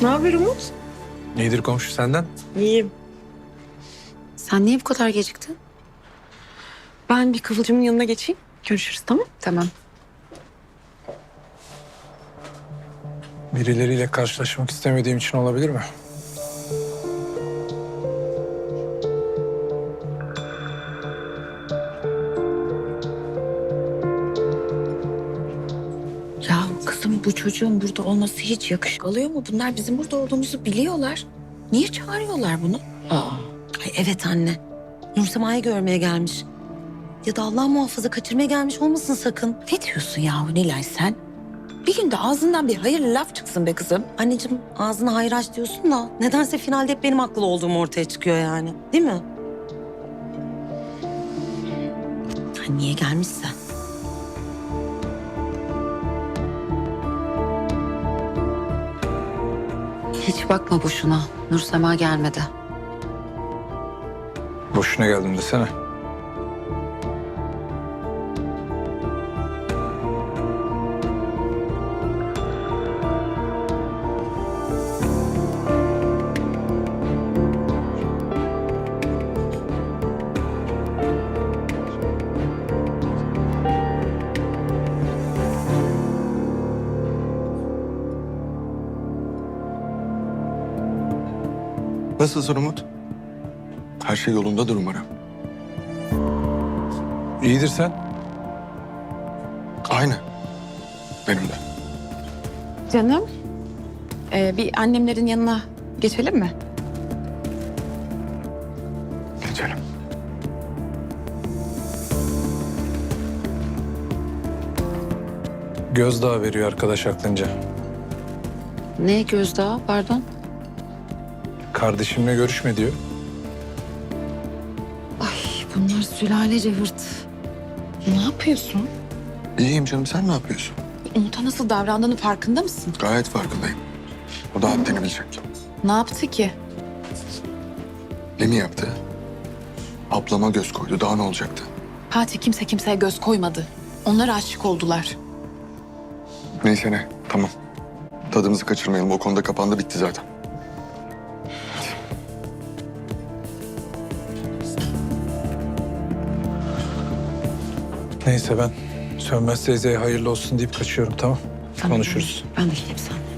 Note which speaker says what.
Speaker 1: Ne haber Umut?
Speaker 2: İyidir komşu senden.
Speaker 1: İyiyim.
Speaker 3: Sen niye bu kadar geciktin?
Speaker 1: Ben bir Kıvılcım'ın yanına geçeyim. Görüşürüz, tamam?
Speaker 3: Tamam.
Speaker 2: Birileriyle karşılaşmak istemediğim için olabilir mi?
Speaker 3: Ya kızım bu çocuğun burada olması hiç yakışık alıyor mu? Bunlar bizim burada olduğumuzu biliyorlar. Niye çağırıyorlar bunu?
Speaker 4: Ay evet anne. Nursema'yı görmeye gelmiş. Ya da Allah muhafaza kaçırmaya gelmiş olmasın sakın.
Speaker 3: Ne diyorsun yahu Nilay sen? Bir günde ağzından bir hayırlı laf çıksın be kızım.
Speaker 4: Anneciğim ağzına hayır aç diyorsun da nedense finalde hep benim haklı olduğum ortaya çıkıyor yani. Değil mi? Ha, niye gelmişse.
Speaker 3: Hiç bakma boşuna. Nursema gelmedi.
Speaker 2: Boşuna geldim desene.
Speaker 5: Nasılsın Umut? Her şey yolundadır umarım.
Speaker 2: İyidir sen.
Speaker 5: Aynı. Benim de.
Speaker 1: Canım, bir annemlerin yanına geçelim mi?
Speaker 5: Geçelim.
Speaker 2: Gözdağı veriyor arkadaş aklınca.
Speaker 3: Ne gözdağı pardon?
Speaker 2: Kardeşimle görüşme diyor.
Speaker 3: Ay bunlar sülalece hırt.
Speaker 1: Ne yapıyorsun?
Speaker 5: İyiyim canım, sen ne yapıyorsun?
Speaker 1: Umut'a nasıl davrandığının farkında mısın?
Speaker 5: Gayet farkındayım. O da haddini bilecek.
Speaker 1: Ne yaptı ki?
Speaker 5: Ne mi yaptı? Ablama göz koydu, daha ne olacaktı?
Speaker 1: Fatih kimse kimseye göz koymadı. Onlar aşık oldular.
Speaker 5: Neyse ne, tamam. Tadımızı kaçırmayalım, o konuda kapandı, bitti zaten.
Speaker 2: Neyse ben Sönmez teyzeye hayırlı olsun deyip kaçıyorum, tamam?
Speaker 3: Tamam.
Speaker 2: Konuşuruz.
Speaker 3: Ben de geleyim sen.